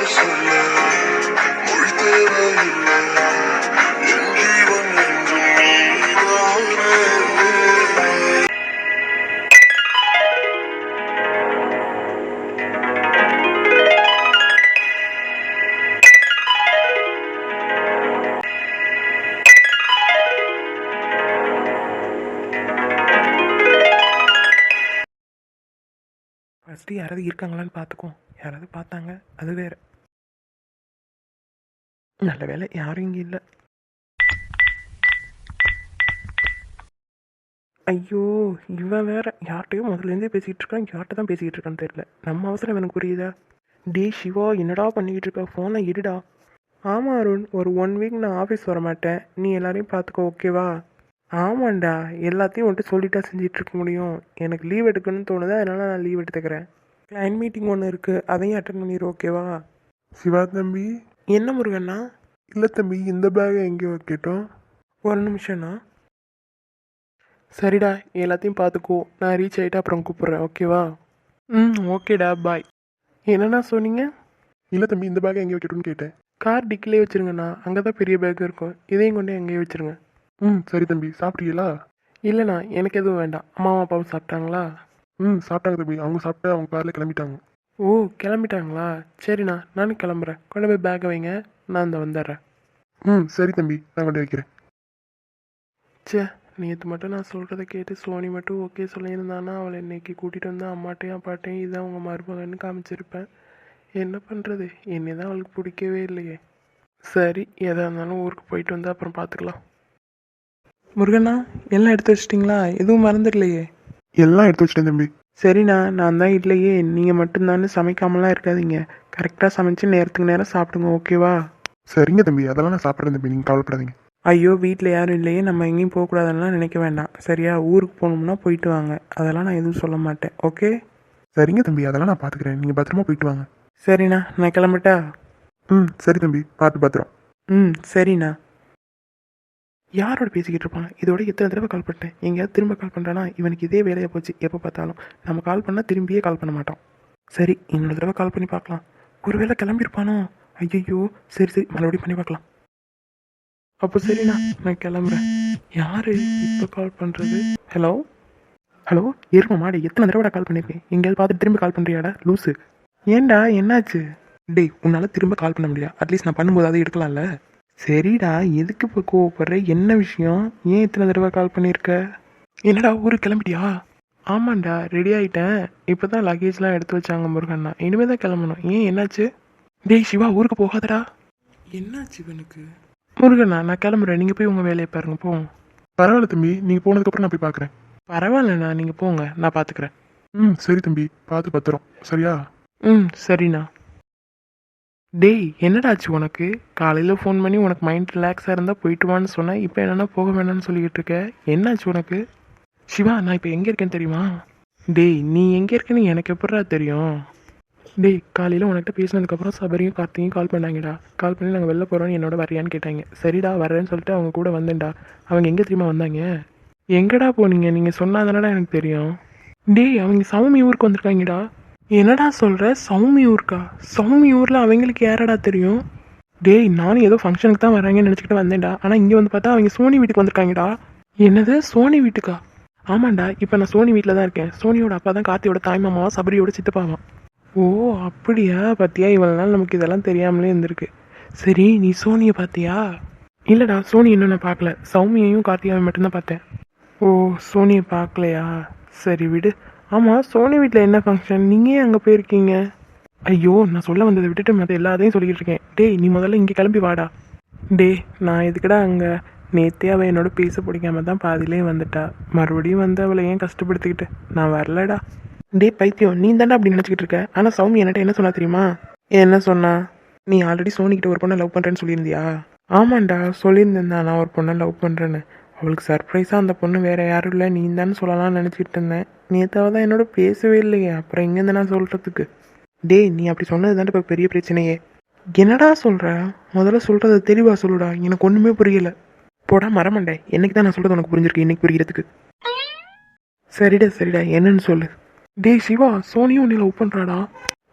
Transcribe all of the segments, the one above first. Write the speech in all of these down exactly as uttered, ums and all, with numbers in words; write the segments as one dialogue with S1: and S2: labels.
S1: சொல்ல மொழி தேவையில்லை என் ஜீவன் என்றும் நீதானே.
S2: ஃபஸ்ட்டு யாராவது இருக்காங்களான்னு பார்த்துக்கோ. யாராவது பார்த்தாங்க அது வேறு. நல்ல வேலை யாரும் இங்கே இல்லை. ஐயோ, இவன் வேற யார்கிட்டையும் முதல்லேருந்தே பேசிக்கிட்டு இருக்கான். யார்கிட்ட தான் பேசிக்கிட்டு இருக்கான்னு தெரியல. நம்ம அவசரம் எனக்கு புரியுதா? டே சிவா, என்னடா பண்ணிக்கிட்டு இருக்க? ஃபோனை எடுடா. ஆமாம் அருண், ஒரு ஒன் வீக் நான் ஆஃபீஸ் வர மாட்டேன். நீ எல்லாரையும் பார்த்துக்கோ, ஓகேவா? ஆமாண்டா, எல்லாத்தையும் வந்துட்டு சொல்லிட்டா செஞ்சிட்டு இருக்க முடியும். எனக்கு லீவ் எடுக்கணும்னு தோணுது, அதனால நான் லீவ் எடுத்துக்கிறேன். கிளைண்ட் மீட்டிங் ஒன்று இருக்குது, அதையும் அட்டன் பண்ணிடு, ஓகேவா?
S3: சிவா தம்பி.
S2: என்ன முருகண்ணா?
S3: இல்லை தம்பி, இந்த பேகை எங்கேயோ வைக்கட்டும்.
S2: ஒரு நிமிஷம்ண்ணா. சரிடா, எல்லாத்தையும் பார்த்துக்கோ. நான் ரீச் ஆகிட்டு அப்புறம் கூப்பிட்றேன், ஓகேவா? ம் ஓகேடா, பாய். என்னண்ணா சொன்னீங்க?
S3: இல்லை தம்பி, இந்த பேகை எங்கே வைக்கட்டும்னு கேட்டேன்.
S2: கார் டிக்கிலே வச்சுருங்கண்ணா, அங்கே தான் பெரிய பேக் இருக்கும். இதையும் கொண்டு எங்கேயே வச்சுருங்க.
S3: ம் சரி தம்பி. சாப்பிட்டீங்களா?
S2: இல்லைண்ணா, எனக்கு எதுவும் வேண்டாம். அம்மாவும் அப்பாவும் சாப்பிட்டாங்களா?
S3: ம் சாப்பிட்டாங்க தம்பி. அவங்க சாப்பிட்டு அவங்க காரில் கிளம்பிட்டாங்க.
S2: ஓ, கிளம்பிட்டாங்களா? சரிண்ணா, நானும் கிளம்புறேன். கொண்டு போய் பேக்கை வைங்க, நான் இந்த வந்துடுறேன்.
S3: ம் சரி தம்பி, நான் கொண்டு வைக்கிறேன்.
S2: சே, நேற்று மட்டும் நான் சொல்கிறத கேட்டு சோனி மட்டும் ஓகே சொல்லியிருந்தானா அவளை இன்னைக்கு கூட்டிகிட்டு வந்து அம்மாட்டையும் அப்பாட்டையும் இதான் அவங்க மருமகன்னு காமிச்சிருப்பேன். என்ன பண்ணுறது, என்னை தான் அவளுக்கு பிடிக்கவே இல்லையே. சரி, எதாக இருந்தாலும் ஊருக்கு போயிட்டு வந்து அப்புறம் பார்த்துக்கலாம். முருகண்ணா, எல்லாம் எடுத்து வச்சிட்டிங்களா? எதுவும் மறந்துடலையே?
S3: எல்லாம் எடுத்து வச்சிட்டேன் தம்பி.
S2: சரிண்ணா, நான் தான் இல்லையே. நீங்கள் மட்டும்தானே சமைக்காமலாம் இருக்காதீங்க. கரெக்டாக சமைச்சு நேரத்துக்கு நேரம் சாப்பிடுங்க, ஓகேவா?
S3: சரிங்க தம்பி, அதெல்லாம் நான் சாப்பிட்றேன் தம்பி, நீங்கள் கவலைப்படாதீங்க.
S2: ஐயோ, வீட்டில் யாரும் இல்லையே, நம்ம எங்கேயும் போகக்கூடாதுன்னா நினைக்க வேண்டாம், சரியா? ஊருக்கு போகணும்னா போயிட்டு வாங்க, அதெல்லாம் நான் எதுவும் சொல்ல மாட்டேன், ஓகே?
S3: சரிங்க தம்பி, அதெல்லாம் நான் பார்த்துக்கிறேன். நீங்கள் பத்திரமா போயிட்டு வாங்க.
S2: சரிண்ணா, நான் கிளம்பட்டா?
S3: ம் சரி தம்பி, பார்த்து பத்திரம்.
S2: ம் சரிண்ணா. யாரோட பேசிக்கிட்டு இருப்பான்? இதோட எத்தனை தடவை கால் பண்ணிட்டேன். எங்கேயாவது திரும்ப கால் பண்ணுறானா? இவனுக்கு இதே வேலையாக போச்சு. எப்போ பார்த்தாலும் நம்ம கால் பண்ணால் திரும்பியே கால் பண்ண மாட்டான். சரி, இன்னொரு தடவை கால் பண்ணி பார்க்கலாம். ஒருவேளை கிளம்பியிருப்பானோ? ஐயோ, சரி சரி, மறுபடியும் பண்ணி பார்க்கலாம். அப்போ சரிண்ணா, நான் கிளம்புறேன். யார் இப்போ கால் பண்ணுறது? ஹலோ ஹலோ, ஏறுமா மாடி, எத்தனை தடவை கால் பண்ணியிருக்கேன். எங்கேயாவது பார்த்துட்டு திரும்ப கால் பண்ணுறியாடா லூஸு? ஏன்டா, என்னாச்சு? டேய், உன்னால் திரும்ப கால் பண்ண முடியாது. அட்லீஸ்ட் நான் பண்ணும்போது அதை எடுக்கலாம்ல. சரிடா, எதுக்கு இப்போ கோவப்படுற? என்ன விஷயம்? ஏன் இத்தனை தடவை கால் பண்ணியிருக்க? என்னடா, ஊருக்கு கிளம்பிட்டியா? ஆமாண்டா, ரெடி ஆகிட்டேன். இப்போ தான் லக்கேஜ்லாம் எடுத்து வச்சாங்க முருகண்ணா. இனிமேல் தான் கிளம்பணும். ஏன், என்னாச்சு? டேய் சிவா, ஊருக்கு போகாதடா. என்னாச்சு இவனுக்கு? முருகண்ணா, நான் கிளம்புறேன். நீங்கள் போய் உங்கள் வேலையை பாருங்க, போங்க.
S3: பரவாயில்ல தம்பி, நீங்கள் போனதுக்கப்புறம் நான் போய் பார்க்குறேன்.
S2: பரவாயில்லண்ணா, நீங்கள் போங்க, நான் பார்த்துக்கிறேன்.
S3: ம் சரி தம்பி, பார்த்து பத்திரம், சரியா?
S2: ம் சரிண்ணா. டேய், என்னடாச்சு உனக்கு? காலையில் ஃபோன் பண்ணி உனக்கு மைண்ட் ரிலாக்ஸாக இருந்தால் போயிட்டு வான்னு சொன்னேன். இப்போ என்னென்னா போக வேணாம்னு சொல்லிக்கிட்டு இருக்க. என்னாச்சு உனக்கு? சிவா, நான் இப்போ எங்கே இருக்கேன்னு தெரியுமா? டேய், நீ எங்கே இருக்கேன்னு எனக்கு எப்படா தெரியும்? டேய், காலையில் உனக்கிட்ட பேசினதுக்கப்புறம் சபரியும் கார்த்திகையும் கால் பண்ணாங்கடா. கால் பண்ணி நாங்கள் வெளில போகிறோன்னு என்னோட வரையான்னு கேட்டாங்க. சரிடா, வரேன்னு சொல்லிட்டு அவங்க கூட வந்தேன்டா. அவங்க எங்கே தெரியுமா வந்தாங்க? எங்கடா போனீங்க? நீங்கள் சொன்னாதானடா எனக்கு தெரியும். டேய், அவங்க சௌமி ஊருக்கு வந்திருக்காங்கடா. என்னடா சொல்கிற? சௌமி ஊருக்கா? சௌமி ஊரில் அவங்களுக்கு யாரடா தெரியும்? டேய், நானும் ஏதோ ஃபங்க்ஷனுக்கு தான் வராங்கன்னு நினச்சிக்கிட்டு வந்தேன்டா. ஆனால் இங்கே வந்து பார்த்தா அவங்க சோனி வீட்டுக்கு வந்திருக்காங்கடா. என்னது, சோனி வீட்டுக்கா? ஆமாண்டா, இப்போ நான் சோனி வீட்டில் தான் இருக்கேன். சோனியோட அப்பா தான் கார்த்தியோட தாய்மாமாவா, சபரியோட சித்தப்பாவா. ஓ அப்படியா? பார்த்தியா, இவ்வளோ நாள் நமக்கு இதெல்லாம் தெரியாமலே இருந்திருக்கு. சரி, நீ சோனியை பார்த்தியா? இல்லைடா, சோனி இன்னும் நான் பார்க்கல. சௌமியையும் கார்த்திகாவையும் மட்டும்தான் பார்த்தேன். ஓ, சோனியை பார்க்கலையா? சரி விடு. ஆமாம், சோனி வீட்டில் என்ன ஃபங்க்ஷன்? நீங்கள் ஏன் அங்கே போயிருக்கீங்க? ஐயோ, நான் சொல்ல வந்ததை விட்டுட்டு மற்ற எல்லாத்தையும் சொல்லிக்கிட்டு இருக்கேன். டேய், நீ முதல்ல இங்கே கிளம்பி வாடா. டே, நான் எதுக்குடா அங்கே? நேற்றே அவள் என்னோட பேச பிடிக்காம தான் பாதியிலே வந்துட்டா. மறுபடியும் வந்து அவளை ஏன் கஷ்டப்படுத்திக்கிட்டு? நான் வரலடா. டே பைத்தியம், நீ தாண்டா அப்படி நினச்சிக்கிட்டு இருக்க. ஆனால் சௌமி என்கிட்ட என்ன சொன்னா தெரியுமா? என்ன சொன்னா? நீ ஆல்ரெடி சோனிக்கிட்ட ஒரு பொண்ணை லவ் பண்ணுறேன்னு சொல்லியிருந்தியா? ஆமாண்டா, சொல்லியிருந்தேன் நான் ஒரு பொண்ணை லவ் பண்ணுறேன்னு. அவளுக்கு சர்ப்ரைஸாக அந்த பொண்ணு வேறு யாரும் இல்லை, நீ தானே சொல்லலாம்னு நினச்சிக்கிட்டு இருந்தேன். நேற்றாவது தான் என்னோட பேசவே இல்லையே, அப்புறம் எங்கேருந்து நான் சொல்கிறதுக்கு? டே, நீ அப்படி சொன்னது தானே இப்போ பெரிய பிரச்சனையே. என்னடா சொல்கிற? முதல்ல சொல்கிறத தெளிவாக சொல்லுடா, எனக்கு ஒன்றுமே புரியலை. போடா மரமண்டே, என்னைக்கு தான் நான் சொல்கிறது உனக்கு புரிஞ்சிருக்கு இன்னைக்கு புரிகிறதுக்கு? சரிடா சரிடா, என்னன்னு சொல்லு. டே சிவா, சோனியும் உன்னை லவ் பண்ணுறாடா.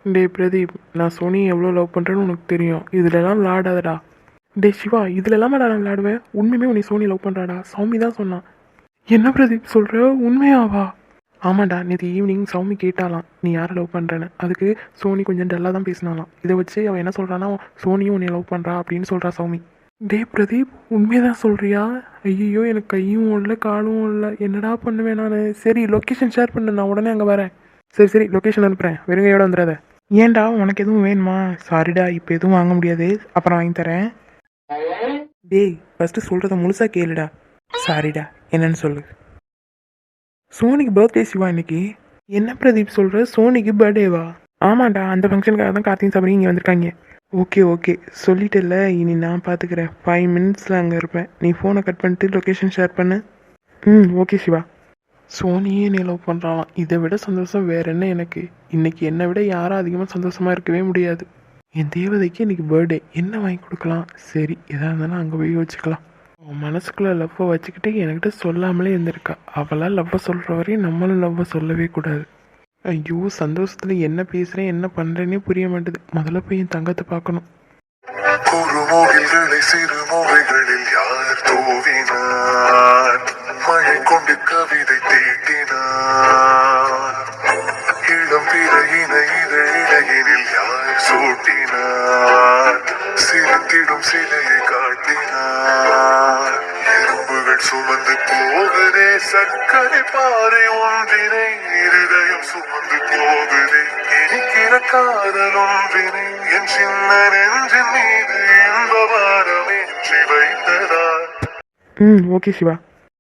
S2: டேய் பிரதீப், நான் சோனி எவ்வளோ லவ் பண்ணுறேன்னு உனக்கு தெரியும். இதுலலாம் விளாடாதடா. டே சிவா, இதுலலாமாடா நான் விளாடுவேன்? உண்மையுமே உன்னை சோனி லவ் பண்ணுறாடா. சௌமி தான் சொன்னான். என்ன பிரதீப் சொல்கிற? உண்மையாவா? ஆமாண்டா, நேற்று ஈவினிங் சௌமி கேட்டாலாம் நீ யாரை லவ் பண்ணுறேன்னு. அதுக்கு சோனி கொஞ்சம் டல்லாக தான் பேசினாலாம். இதை வச்சு அவன் என்ன சொல்கிறான்னா சோனியும் உன்னை லவ் பண்ணுறா அப்படின்னு சொல்கிறா சௌமி. டே பிரதீப், உண்மையதான் சொல்கிறியா? ஐயோ, எனக்கு கையும் இல்லை காலும் இல்லை, என்னடா பண்ணுவேன் நான்? சரி லொக்கேஷன் ஷேர் பண்ணு, நான் உடனே அங்கே வரேன். சரி சரி லொக்கேஷன் அனுப்புகிறேன், வெறுங்கையோட வந்துடாத. ஏன்டா, உனக்கு எதுவும் வேணுமா? சாரிடா, இப்போ எதுவும் வாங்க முடியாது, அப்புறம் வாங்கி தரேன். டேய் ஃபஸ்ட்டு சொல்கிறத முழுசாக கேளுடா. சாரிடா, என்னன்னு சொல்லு. சோனிக்கு பர்த்டே சிவா இன்னைக்கு. என்ன பிரதீப் சொல்கிற? சோனிக்கு பர்த்டேவா? ஆமாண்டா, அந்த ஃபங்க்ஷனுக்காக தான் கார்த்திக் சபரி இங்கே வந்திருக்காங்க. ஓகே ஓகே சொல்லிட்டல, இனி நான் பார்த்துக்கிறேன். ஃபைவ் மினிட்ஸில் அங்கே இருப்பேன். நீ ஃபோனை கட் பண்ணிட்டு லொக்கேஷன் ஷேர் பண்ணு. ம் ஓகே சிவா. சோனியே நீ லவ் பண்ணுறான், இதை விட சந்தோஷம் வேற என்ன எனக்கு? இன்னைக்கு என்னை விட யாரும் அதிகமாக சந்தோஷமாக இருக்கவே முடியாது. என் தேவதைக்கு இன்னைக்கு பர்த்டே, என்ன வாங்கி கொடுக்கலாம்? சரி, எதாக இருந்தாலும் அங்கே போய் வச்சுக்கலாம். அவன் மனசுக்குள்ளே லவ்வை வச்சுக்கிட்டு என்கிட்ட சொல்லாமலே இருந்திருக்கா. அவளால் லவ்வை சொல்கிற வரையும் நம்மளும் லவ்வை சொல்லவே கூடாது. ஐயோ, சந்தோஷத்தில் என்ன பேசுகிறேன் என்ன பண்ணுறேன்னே புரிய மாட்டேது. முதல்ல போய் என் தங்கத்தை பார்க்கணும்.
S1: குறுமுகில்களை சிறு முறைகளில் யார் தூவினார்? மழை கொண்டு கவிதை தீட்டினார். இளம் பிறையின இதழிடையினில் யார் சூட்டினார்? சிரித்திடும் சிலையை காட்டினார். எறும்புகள் சுமந்து போகுதே சர்க்கரை பாறை ஒன்றினை, இருதயம் சுமந்து போகுதே இனிக்கிற காதல் ஒன்றினை. என் சின்ன நெஞ்சின் மீது இன்ப வாரமேற்றி வைத்ததார்.
S2: ம் ஓகே சிவா.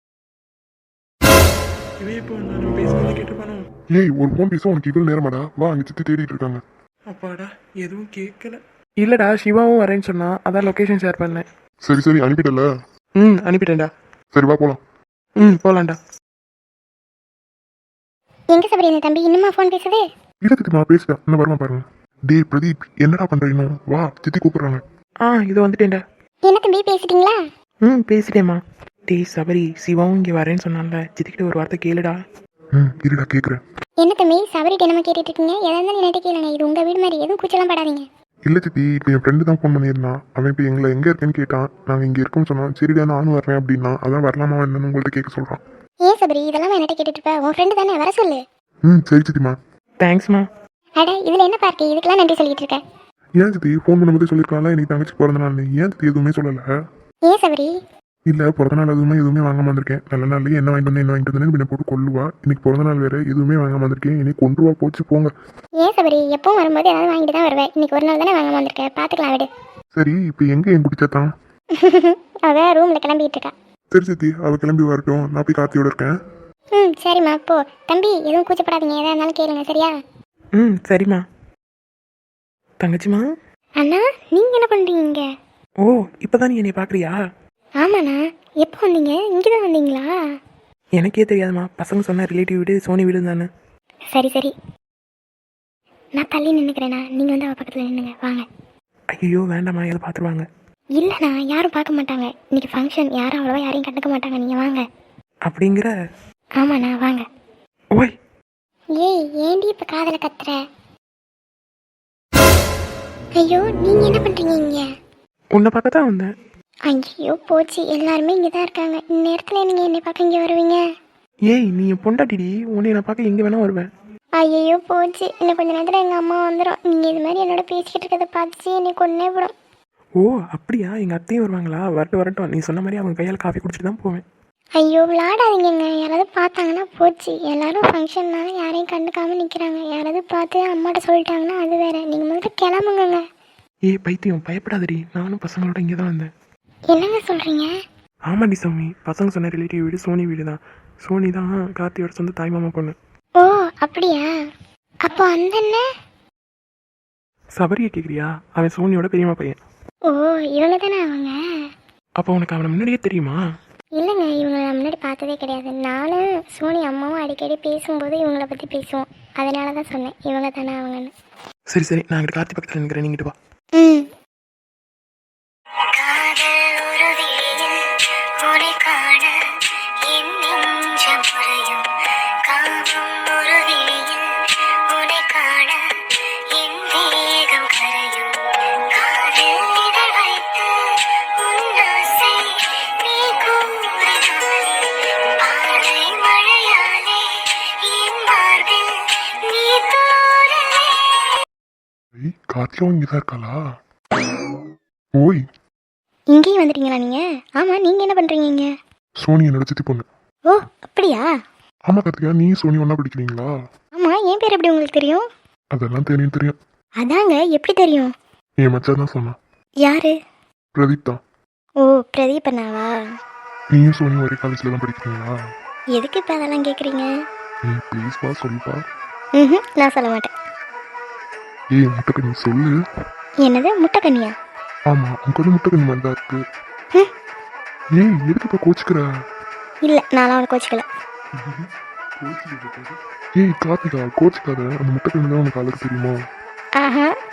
S2: இவே இப்போ நான் பேசுனதை கேட்டு போனோம்.
S3: ஏய், ஒரு ஃபோன் பேச உனக்கு இவ்வளோ நேரமாடா? வா, அங்கே சித்தி தேடிட்டு இருக்காங்க.
S2: அப்பாடா, எதுவும் கேட்கல. இல்லைடா, சிவாவும் வரேன்னு சொன்னான், அதான் லொக்கேஷன் ஷேர் பண்ணேன்.
S3: சரி சரி அனுப்பிட்டல.
S2: ம் அனுப்பிட்டேன்டா.
S3: சரி வா போகலாம்.
S2: ம் போகலான்டா.
S4: எங்க சபரி இந்த தம்பி இன்னுமா ஃபோன் பேசுது?
S3: இல்லை சித்தி, நான் பேசிட்டேன், இன்னும் வரமா பாருங்க. டே பிரதீப், என்னடா பண்ணுற இன்னும்? வா, சித்தி கூப்பிடுறாங்க.
S2: ஆ இது வந்துட்டேன்டா.
S4: என்ன தம்பி பேசிட்டீங்களா?
S2: ம் பேசிட்டேம்மா. டேய் சபரி, சிவாவும் இங்கே வரேன்னு சொன்னான்ல, சித்திக்கிட்ட ஒரு வார்த்தை கேளுடா.
S3: ம் இருடா கேட்குறேன்.
S4: என்ன தம்பி சபரிட்ட என்னமா கேட்டுட்டு இருக்கீங்க? எதா இருந்தாலும் என்கிட்ட கேளுங்க, இது உங்க வீடு மாதிரி, எதுவும் கூச்சலாம் படாதீங்க.
S3: இல்லை சித்தி, இப்போ என் ஃப்ரெண்டு தான் ஃபோன் பண்ணியிருந்தான். அவன் இப்போ எங்களை எங்கே இருக்கேன்னு கேட்டான். நாங்கள் இங்கே இருக்கோம்னு சொன்னோம். சரிடா நானும் வரேன் அப்படின்னா, அதான் வரலாமா என்னன்னு உங்கள்கிட்ட கேட்க சொல்கிறான்.
S4: ஏன் சபரி இதெல்லாம் என்கிட்ட கேட்டுட்டு இருப்ப? உன் ஃப்ரெண்டு தானே, வர சொல்லு.
S3: ம் சரி சித்திமா.
S2: தேங்க்ஸ்மா.
S4: அட இதுல என்ன பார்ட்டி, இதுக்கெல்லாம் நன்றி சொல்லிட்டு இருக்க?
S3: ஏன் சித்தி ஃபோன் பண்ணும்போது சொல்லியிருக்காங்களா இன்னைக்கு தங்கச்சி பிறந்த நாள்? ஏன் சித்தி எதுவுமே சொல்லலை?
S4: ஏன் சபரி?
S3: இல்லை, பிறந்த நாள் எதுவுமே எதுவுமே வாங்காம வந்திருக்கேன். நல்ல நாள்லேயே என்ன வாங்கிட்டு வந்தேன் என்ன வாங்கிட்டு வந்தேன்னு பின்ன போட்டு கொள்ளுவா. இன்னைக்கு பிறந்த நாள் வேறு, எதுவுமே வாங்காம வந்திருக்கேன். இன்னைக்கு கொண்டு வா போச்சு போங்க.
S4: ஏன் சபரி எப்பவும் வரும்போது ஏதாவது வாங்கிட்டு தான் வருவேன், இன்னைக்கு ஒரு நாள் தானே வாங்காம வந்திருக்கேன், பார்த்துக்கலாம் விடு.
S3: சரி, இப்போ எங்கே என் குடிச்சாத்தான்?
S4: அவ ரூம்ல கிளம்பிட்டு இருக்கா.
S3: சரி சித்தி, அவள் கிளம்பி வரட்டும், நான் போய் கார்த்தியோட இருக்கேன்.
S4: ம் சரிம்மா போ. தம்பி எதுவும் கூச்சப்படாதீங்க, எதா இருந்தாலும் கேளுங்க சரியா?
S2: ம் சரிம்மா. தங்கச்சிம்மா.
S4: அண்ணா நீங்க என்ன பண்றீங்க?
S2: ஓ இப்போ தான் நீ என்னை பார்க்குறியா?
S4: ஆமாண்ணா, எப்போ வந்தீங்க? இங்கே தான் வந்தீங்களா?
S2: எனக்கே தெரியாதுமா, பசங்க சொன்ன ரிலேட்டிவ் வீடு சோனி வீடு தானே.
S4: சரி சரி, நான் தள்ளி நின்றுக்கிறேண்ணா, நீங்கள் வந்து அவள் பக்கத்தில் நின்றுங்க, வாங்க.
S2: ஐயோ வேண்டாம்மா, எதை பார்த்துருவாங்க.
S4: இல்லைண்ணா யாரும் பார்க்க மாட்டாங்க, இன்னைக்கு ஃபங்க்ஷன், யாரும் அவ்வளோவா யாரையும் கண்டுக்க மாட்டாங்க, நீங்கள் வாங்க.
S2: அப்படிங்கிற?
S4: ஆமாண்ணா வாங்க.
S2: ஓய்
S4: ஏய் ஏண்டி இப்போ காதலை கத்துற? ஐயோ நீங்கள் என்ன பண்ணுறீங்க இங்கே?
S2: உன்னை பார்க்க தான் வந்தேன்.
S4: ஐயோ போச்சு, எல்லாருமே இங்கே தான் இருக்காங்க, இந்நேரத்தில் நீங்கள் என்னை பார்க்க இங்கே வருவீங்க?
S2: ஏய் நீ என் பொண்டாட்டிடி, உன்னை நான் பார்க்க எங்கே வேணா வருவேன்.
S4: ஐயோ போச்சு, இன்னும் கொஞ்ச நேரத்தில் எங்கள் அம்மா வந்துடும். நீங்கள் இது மாதிரி என்னோட பேசிக்கிட்டு இருக்கிறத பார்த்துச்சு என்னை கொன்னே விடும்.
S2: ஓ அப்படியா, எங்கள் அத்தையும் வருவாங்களா? வரட்டும் வரட்டும், நீ சொன்ன மாதிரி அவங்க கையால் காஃபி குடிச்சிட்டு தான் போவேன்.
S4: ஐயோ விளாடாதீங்கங்க, யாராவது பார்த்தாங்கன்னா போச்சு. எல்லாரும் ஃபங்க்ஷன்னால யாரையும் கண்டுக்காமல் நிற்கிறாங்க, யாராவது பார்த்து அம்மாட்ட சொல்லிட்டாங்கன்னா அது வேற. நீங்கள் முதல்ல கிளம்புங்க.
S2: ஏய் பைத்தியம், பயப்படாதடி, நானும் பசங்களோட இங்கே தான் வந்தேன்.
S4: என்னங்க சொல்கிறீங்க?
S2: ஆமாடி சாமி, பசங்க சொன்ன ரிலேட்டிவ் வீடு சோனி வீடு தான். சோனி தான் கார்த்தியோட சொந்த தாய்மாமா பொண்ணு.
S4: ஓ அப்படியா? அப்போ அந்த என்ன
S2: சபரியை கேட்குறியா? அவன் சோனியோட பெரியம்மா பையன்.
S4: ஓ இவங்க தானே அவங்க?
S2: அப்போ உனக்கு அவனை முன்னாடியே தெரியுமா?
S4: இல்லைங்க, இவங்களை நான் முன்னாடி பார்த்ததே கிடையாது. நானும் சோனி அம்மாவும் அடிக்கடி பேசும்போது இவங்களை பற்றி பேசுவோம், அதனால தான் சொன்னேன் இவங்க தானே அவங்கன்னு.
S2: சரி சரி, நான் இங்கிட்ட கார்த்தி பக்கத்தில் நிற்கிறேன், நீங்கிட்டு வா.
S4: ம்
S1: என்
S3: ஏய் கார்த்திகாவும் இங்கே தான் இருக்காளா? ஓய்
S4: இங்கேயும் வந்துட்டீங்களா நீங்கள்? ஆமாம், நீங்கள் என்ன பண்ணுறீங்க இங்கே?
S3: சோனி என்னோட சித்தி பொண்ணு.
S4: ஓ அப்படியா?
S3: ஆமா கார்த்திகா, நீ சோனி ஒன்றா படிக்கிறீங்களா?
S4: ஆமாம், என் பேர் எப்படி உங்களுக்கு தெரியும்?
S3: அதெல்லாம் தெரியும் தெரியும்.
S4: அதாங்க, எப்படி தெரியும்?
S3: என் மச்சான் தான் சொன்னான்.
S4: யாரு?
S3: பிரதீப் தான்.
S4: ஓ பிரதீப் அண்ணாவா?
S3: நீயும் சோனி ஒரே காலேஜில் தான் படிக்கிறீங்களா?
S4: எதுக்கு இப்போ அதெல்லாம் கேட்குறீங்க?
S3: ஏய் ப்ளீஸ்ப்பா சொல்லுப்பா.
S4: ம் நான் சொல்ல மாட்டேன்.
S3: ஏய் முட்டைக்கண்ணி சொல்லு.
S4: என்னது முட்டைக்கண்ணியா?
S3: ஆமாம் உங்க முட்டைக்கண்ணி மாதிரி தான் இருக்கு.
S4: ம்.
S3: ஏய் எதுக்குப்பா கோச்சிக்கிற?
S4: இல்லை, நான்லாம் அவனை கோச்சிக்கல.
S3: ஏய் கார்த்திகா கோச்சிக்காத, அந்த முட்டைக்கண்ணி தான் உனக்கு அழகு தெரியுமா?
S4: ஆஹா